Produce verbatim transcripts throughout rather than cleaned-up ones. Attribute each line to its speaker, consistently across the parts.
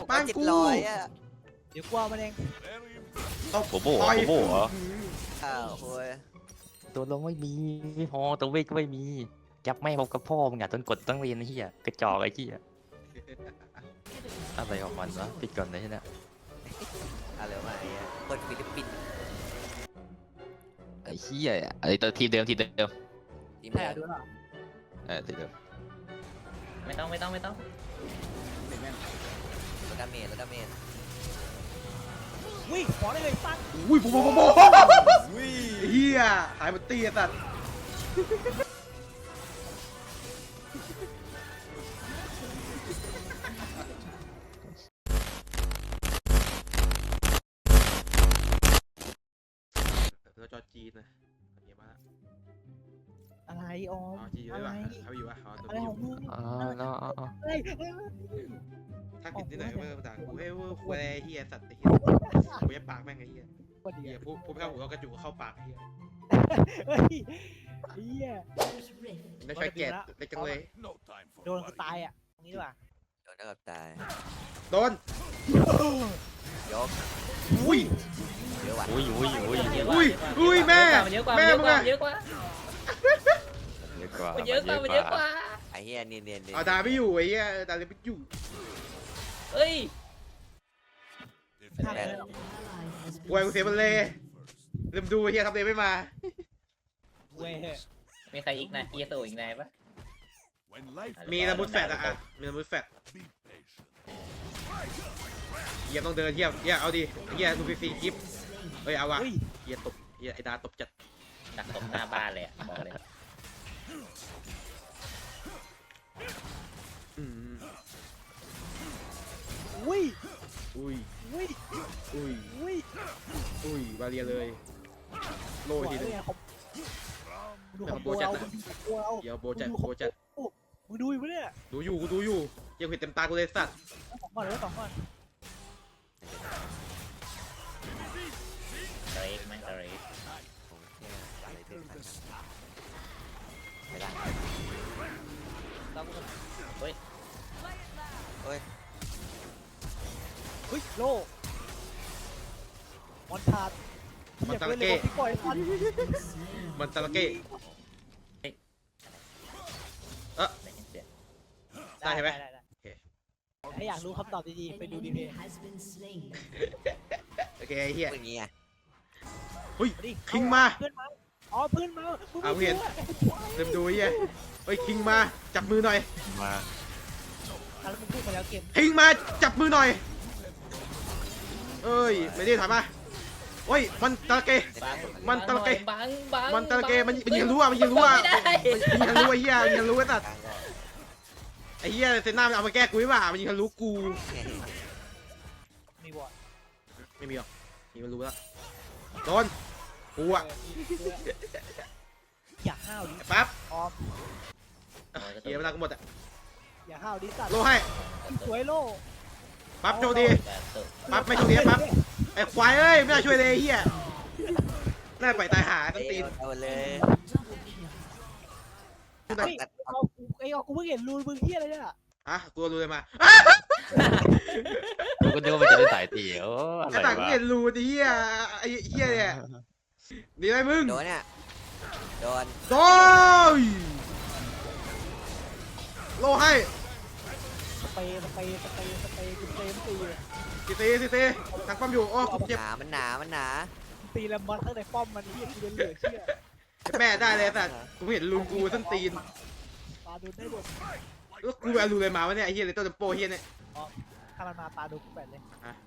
Speaker 1: บ้านกู
Speaker 2: เดี๋ยวกลัวมันเอง
Speaker 1: เอา
Speaker 3: โบโบโบโบเหรอ
Speaker 4: อ้าวโว้ย
Speaker 3: ตัวลงไม่มีไม่พอตัวเวทก็ไม่มีจับไม่พบกับพ่อมึงอ่ะจนกดต้องเรียนไอ้เหี้ยกระจอกไอ้เหี้ยอะไรของมันวะปิดก่อนเลยใช่ไหม
Speaker 4: อะไรวะไอ้คนฟิลิปปินส์
Speaker 3: ไอ้เหี้ยไอ้ตัวทีมเดิมทีมเดิม
Speaker 4: ทีม
Speaker 2: ใช่
Speaker 4: เดิม
Speaker 2: ดูหรอ
Speaker 3: เออทีมเดิม
Speaker 5: ไม่ต้องไม่ต้องไม่ต้อง
Speaker 4: รถดาเมจรถดาเมจ
Speaker 2: วิ่งขอได้เลยปั้น
Speaker 1: อุ้ยโบโบโบโบเฮียหายหมดตีอ่ะสัตว์เราจอจีนนะเยอะมาก
Speaker 2: อะไรออม
Speaker 1: อ๋อจีน
Speaker 2: อะ
Speaker 1: ด้วย
Speaker 2: ไร
Speaker 1: ป่ะเขาอยู่ป่ะเขาตัว
Speaker 2: อะไร
Speaker 1: นี้อ
Speaker 2: ขอยู่ งมึง
Speaker 3: อ๋อเนาะ
Speaker 2: อะไร
Speaker 1: ถ้าผิดที่ไหนก็ไม่ภาษากูเฮ้ยเว้ยคุยเฮียสัตว์ไอ้เฮียกูจะปากแม่งไอ้เฮีย
Speaker 2: คนเดี
Speaker 1: เฮี
Speaker 2: ย
Speaker 1: ยว พูดพูดไม่เข้าหูเอากระจุกเข้าปากไอ้เฮีย
Speaker 2: เฮ้ยเฮีย
Speaker 1: ไม่ใช่แก่เล็กจังเลย
Speaker 2: โดนกูตายอ่ะตรงนี้ดีกว่า
Speaker 4: โดนแล้วกับตาย
Speaker 1: โดน
Speaker 4: ยก
Speaker 1: อุ้ย
Speaker 4: เยอะว่ะ
Speaker 3: อุ้ยอุ้ยอุ้ย
Speaker 5: เยอะก
Speaker 1: อุ้
Speaker 5: ว่าย
Speaker 1: อุ้ยแม่
Speaker 5: เยอะกว่า
Speaker 1: แม่
Speaker 5: เยอะ
Speaker 1: มึ
Speaker 5: ก
Speaker 1: ง
Speaker 5: ว่า
Speaker 1: อะ
Speaker 5: เยอะกว่า
Speaker 3: เยอะกว่า
Speaker 5: มันเยอะกว่ามันเยอะกว่า
Speaker 4: ไอ้เหี้ยเนียนเนียนเนียน
Speaker 1: เอาดาไม่อยู่ไอ้เหี้ยดาเลยไม่อยู่
Speaker 5: เอ้ย
Speaker 2: ทางเลย
Speaker 1: ป่วยกูเสียมันเลยลืมดูไอ้เหี้ยทำเลยไม่มา
Speaker 2: เว้ย
Speaker 5: มีใครอีกนะเอโซอีกนายปะ
Speaker 1: มีระมุดแฟดอะอะมีระมุดแฟดเหี้ยต้องเดินเหี้ยเหี้ยเอาดิเหี้ยดูฟรีๆคลิปเฮ้ยเอาวะ
Speaker 2: เฮ้ย
Speaker 1: เหี้ยตบเหี้ยไอ้ดาตบจัด
Speaker 5: ดักตบหน้าบ้านเลยอะบอกเลย
Speaker 1: อืม
Speaker 2: อุ้ย
Speaker 1: อุ้ย
Speaker 2: อุ้ย
Speaker 1: อุ้ย
Speaker 2: อุ้ย
Speaker 1: อุ้ยบาเรียเลยโล
Speaker 2: หัว
Speaker 1: ทีนึง
Speaker 2: เนี่ยเขาดูของโบเราดูของโบเรา
Speaker 1: เดี๋ยวโบจัดโบจัด
Speaker 2: มึงดูอยู่ปะเนี่ย
Speaker 1: ดูอยู่กูดูอยู่ยังเห็นเต็มตากูเลยสัตว์
Speaker 2: สองก่อนเลยสองก่อน
Speaker 5: เตรกไหมเตรก
Speaker 4: ผมแค่อะไรเป็นพันไม่ได้
Speaker 5: ต้องเฮ้ย
Speaker 4: เฮ้ย
Speaker 2: เฮ้ยโลมอนทาร์ดที่ปล่อยทัน
Speaker 1: มันตะละเก้
Speaker 5: ได้ยินเสียง
Speaker 1: ได้ใช่ไหม
Speaker 2: ถ้าอยากรู้คำตอบดีๆไปดูดีเพย์
Speaker 1: โอเคไอ้เหี้ย
Speaker 4: เป็นอย่างงี้ไง
Speaker 1: เฮ้ย
Speaker 2: ดิ
Speaker 1: คิงมา
Speaker 2: เพื่อนมาอ๋อเพื่อนมา
Speaker 1: เอาเห็น ลืมดูไอ้เหี้ยเฮ้ยคิงมาจับมือหน่อย
Speaker 3: มา
Speaker 2: แล้วมึงพูดมาแล้วเกม
Speaker 1: คิงมาจับมือหน่อยเอ้ยไม่ได้ถอยมาโอ้ยมันตะละเก
Speaker 5: บัง
Speaker 1: มันตะเก
Speaker 5: บังบัง
Speaker 1: มันตะละเกมันมันยิงรู้อ่ะมันยิงรู้อ่ะ
Speaker 5: ไม่ได้
Speaker 1: มันยิงรู้ไอ้เหี้ยมันยิงรู้ไอ้สัตว์
Speaker 4: กลางก็
Speaker 1: ไอ้เหี้ยเซน่ามันเอามาแก้กูไม่ว่ามันยิงรู้กู
Speaker 2: มีบอด
Speaker 1: ไม่มีหรอกมีมันรู้แล้วโดนกูอ่ะ
Speaker 2: อย่าห้าวดิ
Speaker 1: ไอ้ปั๊บ
Speaker 2: ออม
Speaker 1: เหี้ยเวลากูหมดอ่ะ
Speaker 2: อย่าห้าวดิสัตว์
Speaker 1: โลให้
Speaker 2: สวยโล
Speaker 1: ปั๊บโชคดีปั๊บไม่โชคดีปั๊บไอ้ควายเอ้ยไม่น่าช่วยเลยไอ้เหี้ยน่าไปตายหาต้นตีน
Speaker 4: เอาเลย
Speaker 2: เฮ้ยเอากูไอ้เอากูเพิ่งเห็นรูนมึงเฮียอะไรเนี่ย
Speaker 1: อ่ะกูรู้เลยมา
Speaker 3: กูก็นึกว่ามันจะเป็นสายตีโอ้อะ
Speaker 1: ไอ้
Speaker 3: ไร
Speaker 1: ต่างกู
Speaker 3: วะ
Speaker 1: เห็นรูไอ้เหี้ยไอ้เหี้ยเนี่ยดีไหมมึง
Speaker 4: โดนเนี่ยโดน
Speaker 1: โดยโลให้
Speaker 2: สเปย์สเปย์สเปย์สเปย์กูสเปย์มันตี
Speaker 1: สิตีสิตีทางป้อมอยู่โอ้กู
Speaker 4: ห
Speaker 1: เจ็บ
Speaker 4: นามันหนามันหนา
Speaker 2: ตีแล้วมันข้างในป้อมมันเฮียกูจะเหลือเชื่อ
Speaker 1: แม่ได้เลยแต่กูเห็นรูกูส้นตีน
Speaker 2: ปาดูได้หมด
Speaker 1: แล้วกูไปเอารูเลยมาวะเนี่ยไอ้เหี้ยเลยต้นโปเหี้ยเนี่ย
Speaker 2: ถ้ามันมาปาดูกูแปดเลย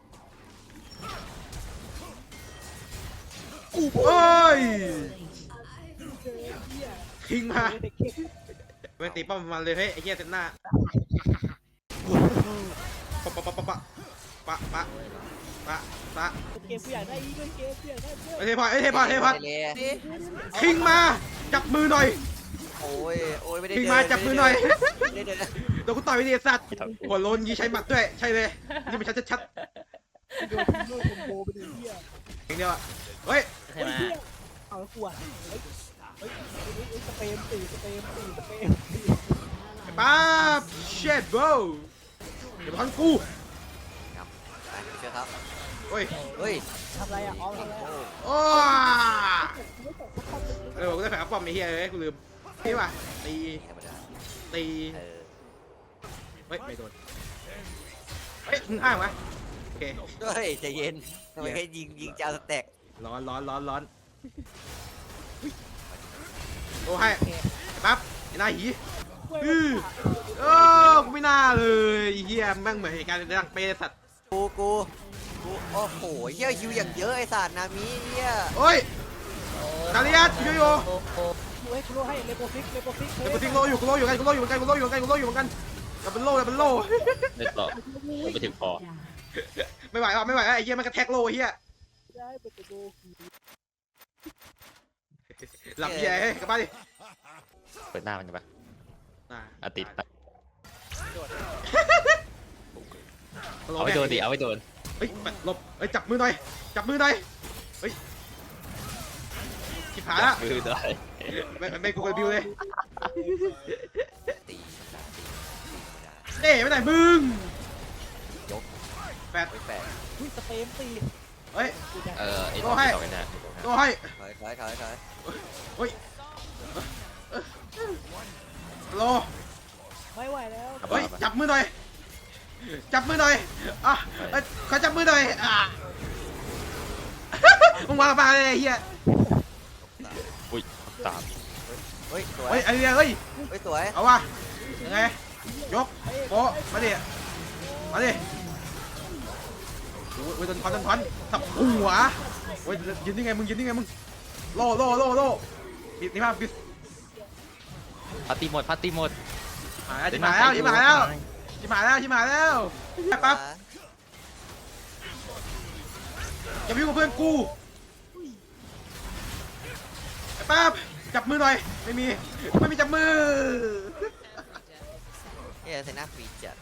Speaker 1: โอ้ย
Speaker 2: เจอเฮีย
Speaker 1: คิงมา
Speaker 2: เด็กเก่ง
Speaker 1: ไม่ตีป้อมมันเลยเฮ้ยไอ้เหี้ยเต็มหน้าปะปะปะปะปะปะปะปะปะ
Speaker 2: เกมกูอยากได้อีกด้วยเกมกูอยากได้ด้วย
Speaker 1: ไอ้เทพอไอ้เทพอเทพอ
Speaker 4: เลย
Speaker 1: คิงมาจับมือหน่อย
Speaker 4: โอ้ยโอ้ยไม่ได้
Speaker 1: คิงมาจับมือหน่อย
Speaker 4: ไม่ได้เดิน
Speaker 1: เดี๋ยวกูต่อยไปดิสัตว์หัวโลนยีใช้หมัดด้วยใช่เลยนี่มันชัดชัด
Speaker 2: โดนทิ้งโดนโบไปเลยเฮีย
Speaker 1: ๆอย่างเดียวอะเฮ้ย
Speaker 5: ใช่ไหม
Speaker 2: เอาแล้วกลัวเฮ้ยเฮ้ยสเปมตีสเปมตีสเปมตี
Speaker 1: ไอ้ป๊าบเช็ดโบเดี๋ยวพันกู
Speaker 4: กครับ
Speaker 1: โอ้ย
Speaker 4: เฮ้ย
Speaker 2: ทำอะไรอ่ะออมทำอะไรอ่ะ
Speaker 1: โอ้เออกูได้แผลป้อมไอ้เหี้ยเลยกูลืมนี่ว่ะตี
Speaker 4: ธรรมดา
Speaker 1: ตี
Speaker 4: เออ
Speaker 1: เฮ้ยไม่โดนเฮ้ยมึงอ้างวะโอเค
Speaker 4: เฮ้ยใจเย็นทำไมแค่ยิงยิงจะเอาสแต็ก
Speaker 1: ร้อนร้อนร้อนร้อนโอ้ให้ปั๊บไอ้นายหี อือ เออกูไม่น่าเลยไอ้เฮียแม่งเหมือนเหตุการณ์ในดังเปย์สัตว์
Speaker 4: กูกูกูโอ้โหเฮียฮิวอย่างเยอะไอ้สัตว์นามิเฮีย
Speaker 1: โอ้ยกาเลียสโยโย่
Speaker 5: โอ้โห
Speaker 2: กูให้กูโลให้เลโปซิกเลโปซิก
Speaker 1: เดี๋ยวกูทิ้งโลอยู่กูโลอยู่กันกูโลอยู่กันกูโลอยู่กันกูโลอยู่กันอย่าเป็นโลอย่าเป็นโล
Speaker 5: ไม่ต่อไม่ถึงพอ
Speaker 1: ไม่ไหวอ่ะไม่ไหวอ่ะไอ้เฮียมันกระแทกโลไอ้เฮีย
Speaker 2: ได้ไปจะดู
Speaker 1: หลับเฮียเฮ้ยกลับบ้านดิ
Speaker 3: เปิดหน้ามันกันปะ
Speaker 1: อ่า
Speaker 3: อาติดปะ
Speaker 1: โล
Speaker 3: เอาไว้โดนดิเอาไว้โดน
Speaker 1: เฮ้ยหลบเฮ้ยจับมือหน่อยจับมือหน่อยเฮ้ยชิบหายละ
Speaker 3: มือได้
Speaker 1: ไม่ไม่กูกับบิวเลย
Speaker 4: ตีธรรมดาตีตีธรรมดา
Speaker 1: เด้ไปไหนมึง
Speaker 4: ยก
Speaker 1: แปด
Speaker 4: ไว้แปด
Speaker 2: อุ้ยสเปมตี
Speaker 1: เฮ้ย
Speaker 2: กูจะ
Speaker 3: เออไอ้
Speaker 1: โอ้
Speaker 3: ตัว
Speaker 1: ให้
Speaker 3: ไอ้ตัวเนี่ย
Speaker 1: โลให้
Speaker 4: ถอยถอยถอยถอย
Speaker 1: เฮ้ยโล
Speaker 2: ไม่ไหวแล้ว
Speaker 1: เฮ้ยจับมือหน่อยจับมือหน่อยอ่ะเอ้ยขอจับมือหน่อยอ่ะ มึงวางปลาเลยไอ้เฮีย
Speaker 3: อุ้ยตาม
Speaker 4: เฮ้ยสวย
Speaker 1: เฮ้ยไอ้เฮียเฮ้ย
Speaker 4: เฮ้ยสวย
Speaker 1: เอาวะยังไงยกโปะมาดิมาดิโอ้ยโอ้ยโดนทอนโดนทอนสับหัวโอ้ยยืนยังไงมึงยืนยังไงมึงโล่โล่โล่โล่ปิดนี่มาปิด
Speaker 3: พัตติหมดพัตติหมด
Speaker 1: หายแล้วชิบหายแล้วชิบหายแล้วชิบหายแล้วชิบหายแล้วไอ้ปั๊บอย่าวิ่งกับเพื่อนกูไอ้ปั๊บจับมือหน่อยไม่มีไม่มีจับมือ
Speaker 4: เฮียเซน่าฟรีจัด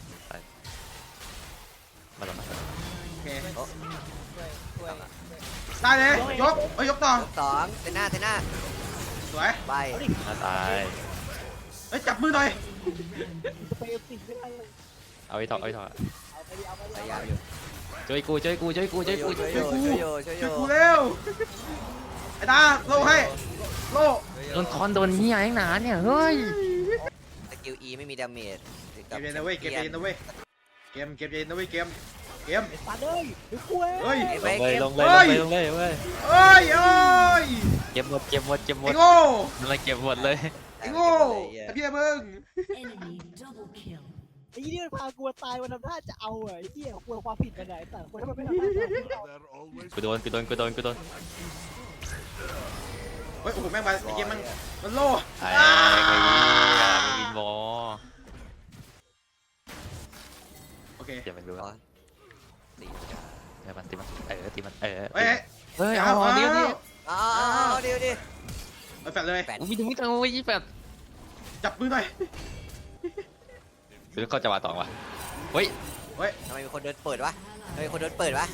Speaker 3: มาแล้วมา
Speaker 1: โอเค
Speaker 4: โอ้
Speaker 2: ช่วยช่วย
Speaker 1: ได้เลยยกเอ้ยยกต่อย
Speaker 4: กสองเซน่าเซน่า
Speaker 1: สวย
Speaker 4: ไป
Speaker 3: มาตาย
Speaker 1: เอ้ยจับมือหน่อย
Speaker 2: สเปมตีไม่ได้เลย
Speaker 3: เอาไอ้ถอดเอาไอ้ถอด
Speaker 2: เอาไปดิเอาไป
Speaker 4: พ
Speaker 2: ดิ
Speaker 4: ยายามอยู่
Speaker 3: ช่วยกูช่วยกูช่วยกูช่วยกู
Speaker 4: ช่วย
Speaker 3: ช่วย
Speaker 4: โย
Speaker 3: กู
Speaker 4: ช่วยโยช่วยโย
Speaker 1: ช่วยกูเร็วไอ้ตาโล่ให้โล่
Speaker 3: โดนคอนโดนเหี้ยแองหนาเนี่ยเฮ้ย
Speaker 4: สกิล E ไม่มีดาเมจ
Speaker 1: เกมเย็นนะเว้ยเกมเย็นนะเว้ยเกมเกมเย็นนะเว้ยเกมเกม
Speaker 2: ไอ้สัตว์เลยเดี๋ยวกูเอ้ย
Speaker 1: เฮ้ย
Speaker 3: ลงเลยลงเลยลงเลยลงเลยเว้ย
Speaker 1: เอ้ยเอ้ย
Speaker 3: เก็บหมดเก็บหมดเก็บหม
Speaker 1: ไอ้
Speaker 3: ด
Speaker 1: โง่
Speaker 3: มันเลยเก็บหมดเลย
Speaker 1: ไอ้โง่ไอ้พี่มึง
Speaker 6: Enemy double kill.
Speaker 2: ไอ้ยี่นี่มันพากูตายวันทำท่าจะเอาอ่ะไอ้เหี้ยกูความผิดมันไหนแต่คนที่มันไม่ทำท่าจะเอา
Speaker 3: กูโดนกูโดนกูโดนกูโดน
Speaker 1: เฮ้ยโอ้โหแม่งมาไอ้เกมมันมันโล่
Speaker 3: ไอ้ไอ้เหี้ยวินวอล
Speaker 1: โอเค
Speaker 3: เดี๋ยวมันรู้
Speaker 4: ร้อ
Speaker 3: ว่าน
Speaker 4: ตีธรรมดา
Speaker 3: เดี๋ยวมันตีมันเออตีมันเออ
Speaker 1: เฮ้ย
Speaker 3: เฮ้ยเอาเอาเดี๋ยวดิ
Speaker 4: อ้าวเดี๋ยวดิ
Speaker 1: เอาแฟดเลย
Speaker 4: แปด
Speaker 3: อุ้ยถึงจังเลยยี่แปด
Speaker 1: จับมือหน่อย
Speaker 3: คือเขาจะมาต่อวะเฮ้ย
Speaker 1: เฮ้ย
Speaker 4: ทำไมมีคนเดินเปิดวะทำไมมีคนเดินเปิดวะ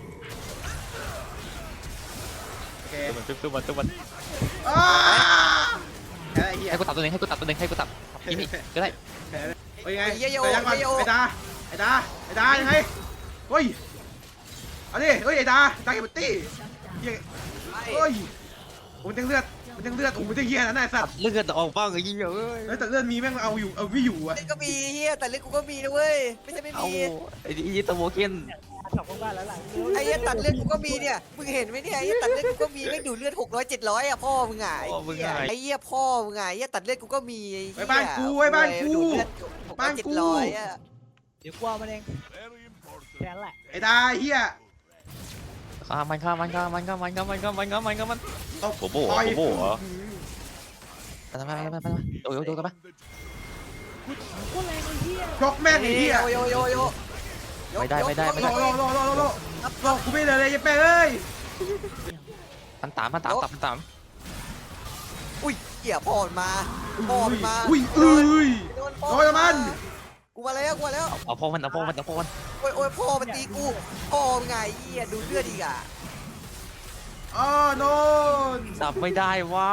Speaker 1: โอเค
Speaker 3: ตัวมันตัวมันตัวมัน
Speaker 1: อ้าแค่ไอ้เหี้ย
Speaker 3: ให้กูตัดตัวหนึ่งให้กูตัดตัวหนึ่งให้กูตัดกินนี่ก็ได้
Speaker 1: เฮ้ยยังไงไอ้ยังก่อนไอ้ดาไอ้ดาไอ้ดายังไงเฮ้ยเอาดิเฮ้ยไอ้ดาดาเก็บตี้เฮ้ย
Speaker 4: ไป
Speaker 1: เฮ้ยผมยังเลือดมันยังเลือดโอ้โหมันจะเหี้ยนะนายสัตว์
Speaker 3: เลือดออกบ้างไอ้ยี่เอ้ย
Speaker 1: เฮ้ยแต่เลือดมีแม่งเอาอยู่เอาไม่อยู่อะ
Speaker 4: เล่นก็มีเฮียแต่เล่นกูก็มีนะเว้ยไม่ใช่ไม่
Speaker 3: เอา
Speaker 4: มี
Speaker 3: ไอ้ยี่ตัวโมเกน
Speaker 2: กลับบ้านแล้วล่ะ
Speaker 4: ไอ้เฮียตัดเลือดกูก็มีเนี่ยมึงเห็นไหมเนี่ยไอ้เฮียตัดเลือดกูก็มีไม่ดูเลือดหกร้อยเจ็ดร้อยอ่ะพ่อมึงอ่ะไอ้เหี้ยไอ้เฮียพ่อมึงอ่ะไอ้เฮียตัดเลือดกูก็มีไอ้เหี้ย
Speaker 1: ไอ้บ้านกูไอ้บ้านกู
Speaker 4: ดูเลือดหกร้อยเจ็ดร้อยอ่ะ
Speaker 2: เดี๋ยวกูเอามันเองแค่นั้นแหละ
Speaker 1: ไอ้ดาเหี้ย
Speaker 3: ข้ามันข้ามันข้ามันข้ามันข้ามันข้ามันข้ามันข้ามัน
Speaker 1: ตบ
Speaker 3: โบโบเหรอโบโบเหรอ ไปไปไปไปไปโดนโดนกันปะ
Speaker 2: กูแรงไอ้เหี้ย
Speaker 1: ยกแม่งไอ้เหี้ย
Speaker 4: โยโยโย
Speaker 3: ไม่ได้ไม่ได้ไม่
Speaker 1: โล
Speaker 3: ได้
Speaker 1: โลโลโลโลโลโลกูไม่เลยเลยยังแป้เอ้ย
Speaker 3: มันตามมันตามตับมันตาม
Speaker 4: อุ้ยเหี้ยพ่อมันมาพ่อมันมา
Speaker 1: อุ้ยเอ้ย
Speaker 4: โดน
Speaker 1: โดนมัน
Speaker 4: กูมาแล้วกูมาแล้ว
Speaker 3: เอาพ่อมันเอาพ่อมันเอาพ่อมัน
Speaker 4: โอ้ยโอ้ยพ่อมันตีกูพ่อมึงไงเหี้ยดูเลือดอีกอ่ะ
Speaker 1: อ๋อโนน
Speaker 3: จับไม่ได้ว้า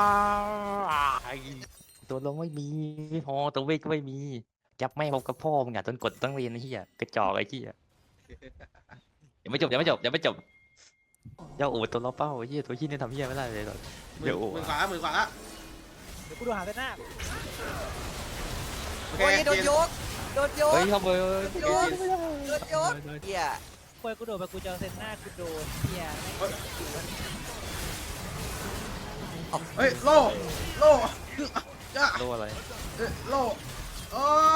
Speaker 3: ตัวลงไม่มีไม่พอตัวเวทก็ไม่มีจับไม่พบกับพ่อมึงอ่ะจนกดต้องเรียนไอ้เหี้ยกระจอกไอ้เหี้ยยังไม่จบยังไม่จบยังไม่จบเจ้าโอ้ตัวล้อเป้าเฮียตัวขี้นี่ทำเฮียไม่ได้เลยหรอก
Speaker 1: หมื่
Speaker 3: เดี๋
Speaker 1: น
Speaker 3: ยวโอ้
Speaker 1: หมื่นขวาละหมื่นขวาละ
Speaker 2: เดี๋ยวกูดูหาเส้นหน้า
Speaker 1: โอเค
Speaker 4: โอ้ยโดน
Speaker 1: เจน
Speaker 4: ยกโดนยก
Speaker 3: เฮ้ยเข้าไป
Speaker 4: โดนยกโดนยกเหี้ย
Speaker 2: ควยกูโดดไปกูเจอเส้นหน้ากูโดนเฮียแม่ง
Speaker 1: เฮ้ยโล่โล่จ้า
Speaker 3: โลอะไร
Speaker 1: เอ้ยโล่โอ้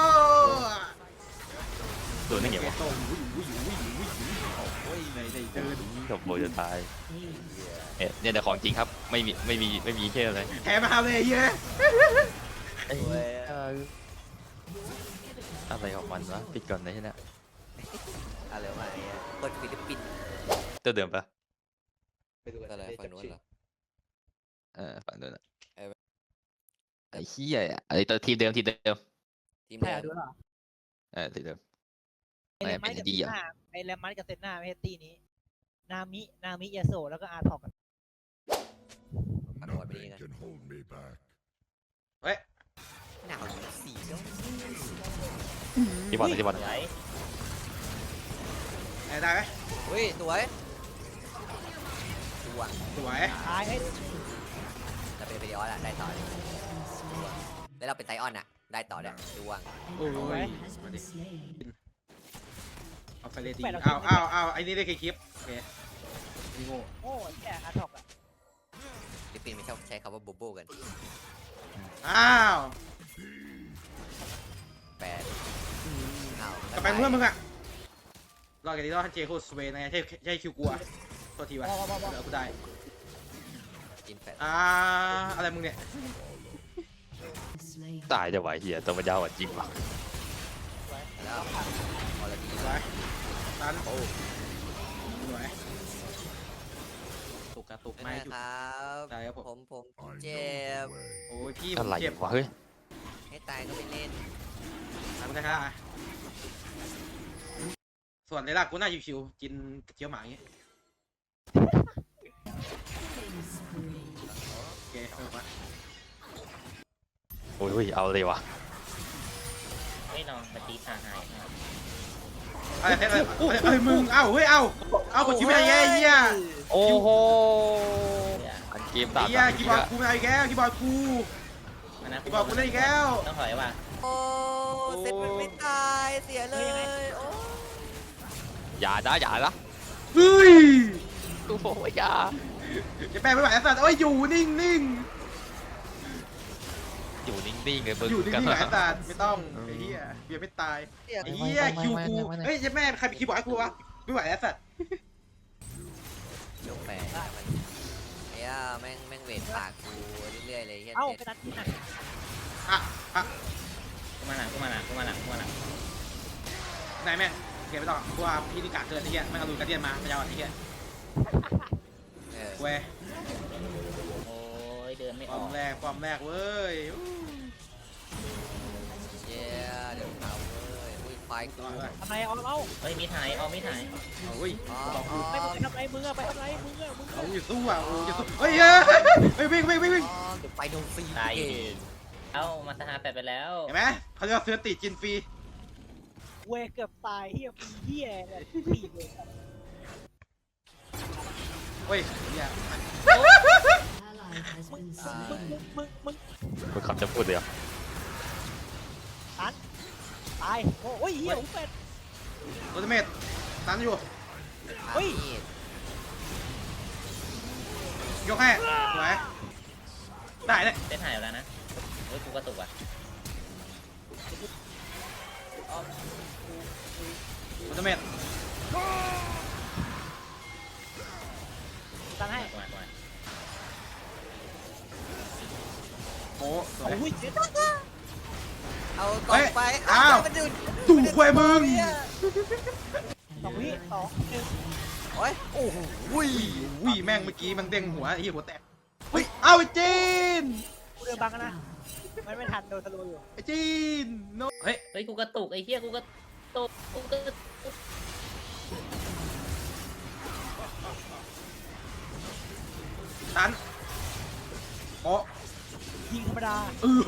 Speaker 3: โดนได้ไงวะ
Speaker 1: โต้วิ่งวิ่งวิ่งวิ่งวิ่งโอ้ยไหนไหนเดิน
Speaker 3: จบโบจะตายเนี่ยเนี่ยแต่ของจริงครับไม่มีไม่มีไม่มีแค่อะไร
Speaker 1: แถมมาเลยเย้
Speaker 3: ไอ้เอออะไรของมันวะปิดก่อนเลยใช่ไหม
Speaker 4: อะไรวะไอ้เหี้ยคนฟิลิปปินส์
Speaker 3: ตัวเดิมปะ
Speaker 4: อะไรฝั่งนู้นเหรอ
Speaker 3: เออฝั่งนู้นอะ
Speaker 4: เออ
Speaker 3: ไอ้เหี้ยอะไอ้ตัวทีมเดิมทีมเดิม
Speaker 4: ทีม
Speaker 2: ใช่
Speaker 4: เดิ
Speaker 2: เหรอ
Speaker 4: ม
Speaker 2: ดูเหรอ
Speaker 3: เออทีมเดิม
Speaker 2: ไอแรมมัส
Speaker 3: ไม่
Speaker 2: กับ
Speaker 3: ดี
Speaker 2: เซน
Speaker 3: อะ
Speaker 2: หน้าไอแรมมัสกับเซนหน้าไม่ใช่ตีนี้ นามิ นามิยาโซแล้วก็อาร์ทอกกัน
Speaker 4: ปัดหัวไปนี่กัน
Speaker 7: can hold me back.
Speaker 1: เฮ้ย
Speaker 4: หนาวอยู่สี่แล้ว
Speaker 3: ที่บอลที่บอล
Speaker 5: ไหน
Speaker 1: ไหนได้ไหม
Speaker 4: เฮ้ยสวยดวง
Speaker 1: สวย
Speaker 2: ตายให้
Speaker 4: เราเป็นเบริออสอะได้ต่อเลยแล้วเราเป็นไซออนอะได้ต่อเลยดวง
Speaker 1: โอ้ย
Speaker 6: has
Speaker 1: มา
Speaker 6: been
Speaker 1: ดิ
Speaker 6: slain.
Speaker 1: เอาไฟเลตีอ้าวอ้าวอ้าวไอ้นี่ได้แค่คลิปโอเคนี่โง่
Speaker 2: โอ้ยแกอาร์ทอกอะ
Speaker 4: ฟิลิปปินส์ไม่ชอบใช้คำว่าโบโบกัน
Speaker 1: อ้าว
Speaker 4: แปดอ้าว
Speaker 1: กลับไปเพื่อนมึงอะรอกันดีรอดเจโคสเวนไงใช่ใช่คิวกลัวตัวทีวะ
Speaker 2: บอบอบอ
Speaker 1: เดี๋ยวกูได้
Speaker 4: กินแปด
Speaker 1: อ่าอะไรมึงเนี่ย
Speaker 6: Slain.
Speaker 3: ตายจะไหวเหี้ยตัวมันยาวกว่าจริงว่ะ
Speaker 4: แล้วออร์ดี
Speaker 1: สวยตันโอ้สวยตุกกระตุก
Speaker 4: ไม่
Speaker 1: ไม่
Speaker 4: ได้
Speaker 1: จุก
Speaker 4: ครับ
Speaker 1: ได้ครับผม
Speaker 4: ผมผม
Speaker 7: I know
Speaker 4: เจ็บ
Speaker 7: the way.
Speaker 1: โอ้ยพี่ผ
Speaker 3: อะ
Speaker 1: ม
Speaker 3: ไร
Speaker 1: เจ็บ
Speaker 3: วะเฮ้ย
Speaker 4: ให้ตายก็ไม่เล่น
Speaker 1: ทำได้ครับส่วนในลากกูน่าชิวๆกินกระเจียวหมาอย่างเงี้ยโอเคเอามา
Speaker 3: โอ้ยเอาเลยวะ
Speaker 5: ไม่ลองมาตีทางหายครับ
Speaker 1: อะไรเอะไรเอ้ยมึง เอ้า เฮ้ย เอ้า เอ้ากดชิปอะไรเงี้ยไอ้เหี้ย
Speaker 3: โอ้โหอันเกมตา
Speaker 1: ไอ้
Speaker 3: ม
Speaker 1: เหี้ยคีย์บอร์ดกูไม่เอาอีกแล้วคีย์บอร์ดกู
Speaker 5: มันนะ
Speaker 1: คีย์บอร์ดกูเล่นอีกแล้ว
Speaker 5: ต้องถอยว่ะ
Speaker 4: โอ้เซ็ตมันไม่ตายเสียเลยโอ้
Speaker 3: อย่านะอย่านะ
Speaker 1: เฮ้ย
Speaker 3: กูบอกว่าอย่า
Speaker 1: จะแปลไม่ไหวไอ้สัตว์เอ้ย อยู่นิ่งนิ่ง
Speaker 3: อยู่นิ่งๆเลยเบิร์
Speaker 1: อยู่นิ่ง
Speaker 3: กัน
Speaker 1: นิ่งไอ้สัตว์ไม่ต้อง ไอ้เหี้ยเบียร์ไม่ตาย
Speaker 4: เสีย
Speaker 1: ไอ้เหี้ยคิวกู เฮ้ยเจ๊แม่ใครเป็นคีย์บอร์ดให้กูวะ ไม่ไหวไอ้สัตว์
Speaker 4: ยกแปดมันไอ้ย่าแม่งแม่งเวทปากกูเรื่อยๆเลยเฮีย
Speaker 2: เอ้า
Speaker 4: เซ็ต
Speaker 2: ไปนัดที่ไหน
Speaker 1: อ่ะอ่ะ
Speaker 5: กูมาหลังกูมาหลังกูมาหลังกูมาหลัง
Speaker 1: นายแม่งโอเคไม่ต้องกูว่าพี่นิกาเกินไอ้เหี้ยแม่งเอาลูกกระเดียนมาไม่เอาไอ้เหี้ย
Speaker 4: เออ
Speaker 1: เว้ย
Speaker 5: โอ้ยเดินไม่
Speaker 1: ป
Speaker 5: อ
Speaker 1: อ
Speaker 5: อ
Speaker 1: ม
Speaker 5: ก
Speaker 1: แรกปอมแรกเว้ย
Speaker 4: เย้เดี๋ยวเอาเว้ยอุ้ยไฟกู
Speaker 1: ต่อยไป
Speaker 2: ทำไรเอาเอา
Speaker 5: เฮ้ยมีถ่ายเอามีถ่าย
Speaker 1: เอาเว้ย
Speaker 4: อ๋อ
Speaker 1: บอกกู
Speaker 2: ไม่มึงไปทำไรมึงอะไปทำไรมึงอะมึง
Speaker 1: เอา
Speaker 2: อะ
Speaker 1: อยู่สู้อ่ะโอ้ยสู้เฮ้ยเฮ้ยวิ่งวิ่งวิ่งวิ่ง
Speaker 4: อ๋อเดี๋ยวไปโดนฟรี
Speaker 5: ตายอยู่ดีเอ้ามาสหาแปดไปแล้ว
Speaker 1: เห็นไหมเขาเรียกว่าซื้อติดจินฟรี
Speaker 2: เวยเกือบตายเฮียปีเฮียเนี่ยปีเลย
Speaker 1: เฮ้ยเนี่ย
Speaker 6: Ally has been
Speaker 2: มึง
Speaker 6: slain.
Speaker 2: มึงมึงมึง
Speaker 3: มึงคำจะพูดเลยเหรอ
Speaker 2: ตันตายโอ้ยเฮียหูเป็ด
Speaker 1: โรเมตตันอยู่
Speaker 2: เฮ้ย
Speaker 4: มีด
Speaker 1: ยกให้สวยได้เลย
Speaker 5: ได้ถ่ายแล้วนะเฮ้ยกูกระตุกอ่ะ
Speaker 1: โรเมต
Speaker 2: ตันให้
Speaker 5: กูมากูมา
Speaker 1: โอ้สวย
Speaker 2: โอ้ยเจ็ด
Speaker 4: เอาต่อไป
Speaker 1: อ้าว
Speaker 4: มันดูด
Speaker 1: ตู่ควยมึง
Speaker 2: สองวิสองหนึ่ง
Speaker 4: โอ้ยโอ้โหอุ้ย
Speaker 1: วิ่งแม่งเมื่อกี้มันเด้งหัวไอ้หัวแตกเฮ้ยเอาไอ้จีน
Speaker 2: กูเดินบังกันนะมันไม่ทันโดนสโลอยู่
Speaker 1: ไอ้จีนโนเฮ้ย
Speaker 5: เฮ้ยกูกระตุกไอ้เหี้ยกูกระตุกกูกระตุก
Speaker 1: ตันโอ้
Speaker 2: ยิงธรรมดา
Speaker 1: เออ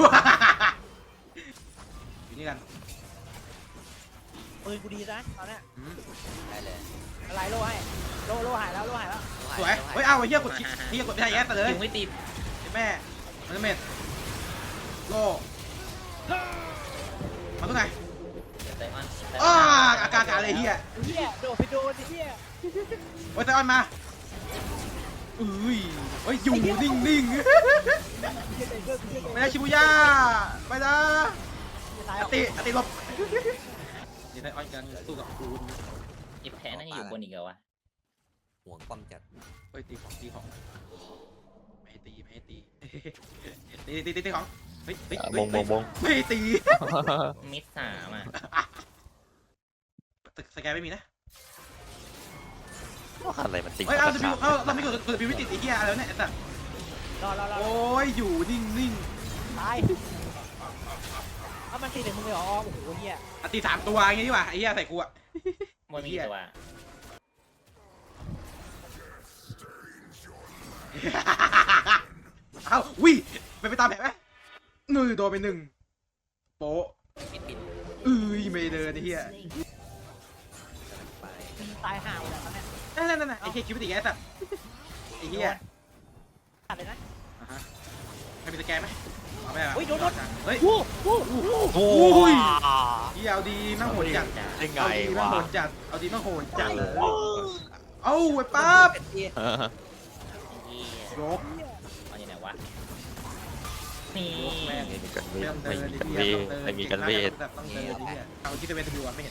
Speaker 1: อยู่นี่กัน
Speaker 2: ปืนกูดีนะตอนเนี้ย
Speaker 1: อืม
Speaker 4: ได้เลย
Speaker 2: อะไรโลให้โลโลหายแล้วโลหายแล้ว
Speaker 1: สวยเฮ้ยเอาไอ้เหี้ยกดคลิกเหี้ยกดไม่ได้แย่ซะเลย
Speaker 5: ยิงไม่ติด
Speaker 1: แม่มันเม็ดโลมาตรงไหน
Speaker 5: ไซออน
Speaker 1: อ้าอากาศอะไรเหี้ย
Speaker 2: เฮียโดดไปโดนเฮีย
Speaker 1: โอ้ยไซออนมาอุ้ยเฮ้ยอยู่นิ่งนิ่งไม่ได้ชิบุย่าไปนะ
Speaker 2: ตาย
Speaker 1: อติอติหลบนี่ไซออนกันสู้กับคูณ
Speaker 5: ไอ้แพ้นั่นอยู่บนอีกเหรอวะ
Speaker 4: ห่วงความจัด
Speaker 1: เฮ้ยตีของตีของไม่ให้ตีไม่ให้ตีตีตีตีตีของเฮ้ยเฮ้ย
Speaker 3: บงบงบง
Speaker 1: ไม่ให้ตี
Speaker 5: มิดสามอ่ะ
Speaker 1: สแกนไม่มีนะ
Speaker 3: อะไรมันติด
Speaker 1: เฮ้ยเอาจะมีเอาเราไม่กดกดวิติดไอ้เหี้ยอะไรเนี่ยแต่
Speaker 2: รอรอรอ
Speaker 1: โอ้ยอยู่นิ่งนิ่ง
Speaker 2: ตายเอามันตีถึงมึงเลยเหรอโอ้โหเฮีย
Speaker 1: อ่ะตีสามตัวอย่างงี้ดีกว่าไอ้เหี้ยใส่กูอ่ะ
Speaker 5: บนมีกี่ตัว
Speaker 1: เอ้าวิ่งไปไปตามแผนไหมนือโดนไปหนึ่งโป๊ะ
Speaker 4: ปิดปิด
Speaker 1: เอ้ยไม่เดินไอ้เหี้ย
Speaker 4: ไป
Speaker 2: ตายห่าหมดแล้วเนี่ย
Speaker 1: นั่นนั่นนั่นไอ้เหี้ยคิดวิติไงสัตว์ไอ้เหี้ย
Speaker 2: ขาดเลยนะ
Speaker 1: อ่ะฮะให้มีสแกนไหมเอาไม่เอา
Speaker 2: เฮ้ยโดนโดน
Speaker 1: เฮ้ย
Speaker 2: วู้วู้
Speaker 3: โอ้
Speaker 1: อุ้ย
Speaker 3: ย
Speaker 1: เหี้ยเอาดีมั่งโหดจัด
Speaker 3: ได้ไง
Speaker 1: เอาดีมั่ง
Speaker 3: วะ
Speaker 1: โหดจัดเอาดีมั่งโหดจัดเลยเอาไว้ปั๊บ
Speaker 4: เป็ดที่
Speaker 3: เออ
Speaker 5: ไอ้เหี้ย
Speaker 1: ยก
Speaker 5: เอาอยู่ไหนวะนี่
Speaker 1: แม่ง
Speaker 3: ไม่มีกันเว
Speaker 1: เริ่
Speaker 3: ท
Speaker 1: มเดิ
Speaker 3: ไม่
Speaker 1: น
Speaker 3: มี
Speaker 1: ไอ้
Speaker 3: กันเว
Speaker 1: เหี้ย
Speaker 3: ท
Speaker 1: ต้อง
Speaker 3: ไม่มีกันเวท
Speaker 1: เดินต้องเดินไอ้เหี้ยเอาที่ตะเวนตะบิวอ่ะไม่เห็น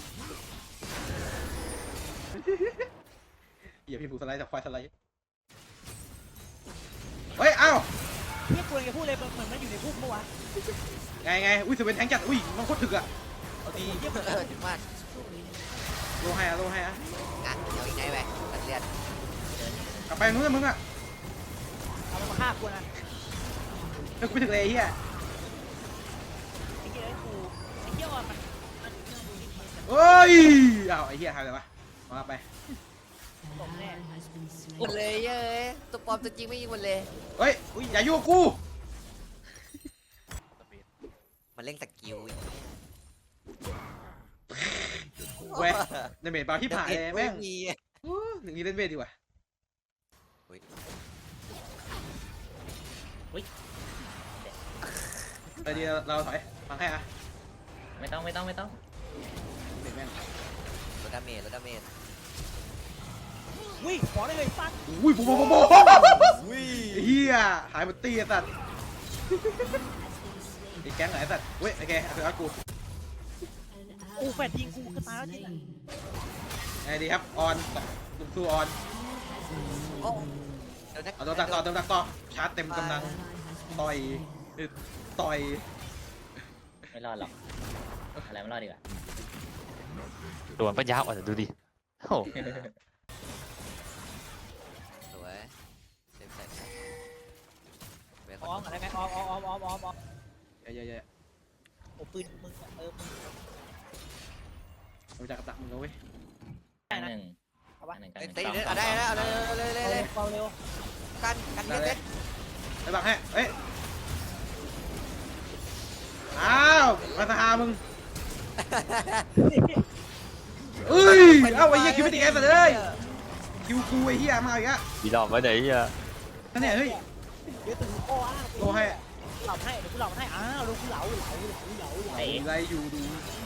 Speaker 1: เหี้ยพี่ผูสไลด์จากควายสไลด์เฮ้ยเอ้า
Speaker 2: เฮียกูเลยจะพูดเลยเหมือนมันอยู่ในพุ่มเมื่อวาน
Speaker 1: ไงไงอุ้ยสเวนแทงจัดอุ้ยมันโคตรถึกอ่ะเอาดี
Speaker 4: เออถึงมาก
Speaker 1: โลให้อะโลให้อะ
Speaker 4: อ่ะเดี๋ยวอีกไงไปตัดเลือด
Speaker 1: กลับไปนู้นนะมึงอ่ะ
Speaker 2: เอามันมาฆ่ากูนะ
Speaker 1: เฮ้ยกูไม่ถึงเลยไอ้เหี้ย
Speaker 2: ไอ้เฮียไอ้กูไอ้เฮียอ่อนมันมัน
Speaker 1: เฮ้ยอ้าวไอ้เหี้ยหายไปไหนวะมาไป
Speaker 2: ตกแน่
Speaker 4: หมดเลยเย้ยตัวปลอมตัวจริงไม่ยิงหมดเลย
Speaker 1: เฮ้ยอุ้ยอย่ายุ่งกับกู
Speaker 4: มันเล่นสกิลอีก
Speaker 1: เว้ยในเมดบาร์ที่ผ่านเลยแม่ง
Speaker 4: มี
Speaker 1: อู้หนึ่งนี้เล่นเวทดีกว่าไปดีเราถอยฟังให้อะ
Speaker 5: ไม่ต้องไม่ต้องไม่ต้อง
Speaker 1: เด็กแม่ง
Speaker 4: ลดดาเมจลดดาเมจ
Speaker 2: วิ่งขอได้เลยฟัด
Speaker 1: อุ้ยโบโบโบโบเฮียหายหมดตีไอ้สัตว์ไอ้แก๊งไหนไอ้สัตว์เว้ยไอ้แกเอาไปเอากู
Speaker 2: กูแฟดยิงกูก็ตายแล้วจริง
Speaker 1: ไงดีครับออนสู้ออน
Speaker 4: โอ้เดี๋ยวนะ
Speaker 1: เอาตัวดักต่อตัวดักต่อชาร์จเต็มกำลังต่อยต่อย
Speaker 5: ไม่รอดหรอกอะไรไม่รอดดีกว่า
Speaker 3: โดนปัญญาอ่อนดูดิโอ้
Speaker 4: สวยเต็มใส่ไป
Speaker 2: ออมอะไรไงออมออมออมออมออมออม
Speaker 1: เย้เย้เย้
Speaker 2: โอ้ปืนมึงเออมึง
Speaker 1: รู้จักกับดักมึงแล้วเว้ย
Speaker 5: อันหนึ่ง
Speaker 2: เอาปะ
Speaker 5: อันหนึ่งกันห
Speaker 4: เต็
Speaker 5: นึ่
Speaker 4: ม
Speaker 5: ง
Speaker 4: เต็ม
Speaker 5: สอง
Speaker 4: เอาได้แล้วเอาเลยเอาเลยเลยเลย
Speaker 2: เบาเร็ว
Speaker 4: กันกันเต็ม
Speaker 1: ไปบังให้เฮ้ยอ้าวมาสหามึงเอ้ยเอ้าไอ้เหี้ยคิวไม่ติดไอ้สัตว์เอ้ยคิวกูไอ้เหี้ยมาอีกอะ
Speaker 3: ดีดอกไว้ไหนอ่ะ
Speaker 1: นั่นเนี่ยเฮ้ย
Speaker 2: เดี๋ยวถึงข้ออ้าง
Speaker 1: โลให้
Speaker 2: เหล่าให้เดี๋ยวกูเหล่าให้อ้าวลูกกูเหลาเหลาเหลาเหลาเหลา
Speaker 5: ไอ้
Speaker 1: อะไรอยู่ดู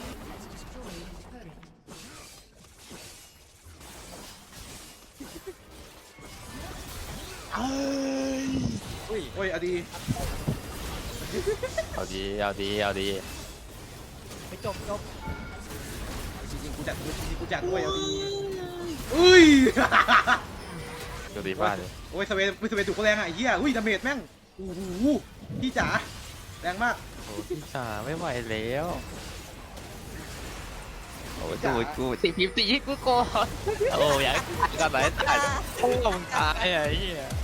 Speaker 1: อุ้ยโอ้ยเอาดี
Speaker 3: เอาดีเอาดีเอาดี
Speaker 2: ไปจบจบ
Speaker 1: จริงๆกูจัดจริงๆกูจัดด้วยเอาดีอุ้ย
Speaker 3: ดูดีมากเลย
Speaker 1: โอ้ยสเวนสเวนถูกเขาแรงอ่ะไอ้เหี้ยอุ้ยดาเมจแม่งโอ้โหพี่จ๋าแรงมาก
Speaker 3: โอ้พี่จ๋าไม่ไหวแล้วโอ้ดูกูตีพิมพ์ตีกูก่อนโอ้อยากกันไหนตายโอ้มึงตายไอ้เหี้ย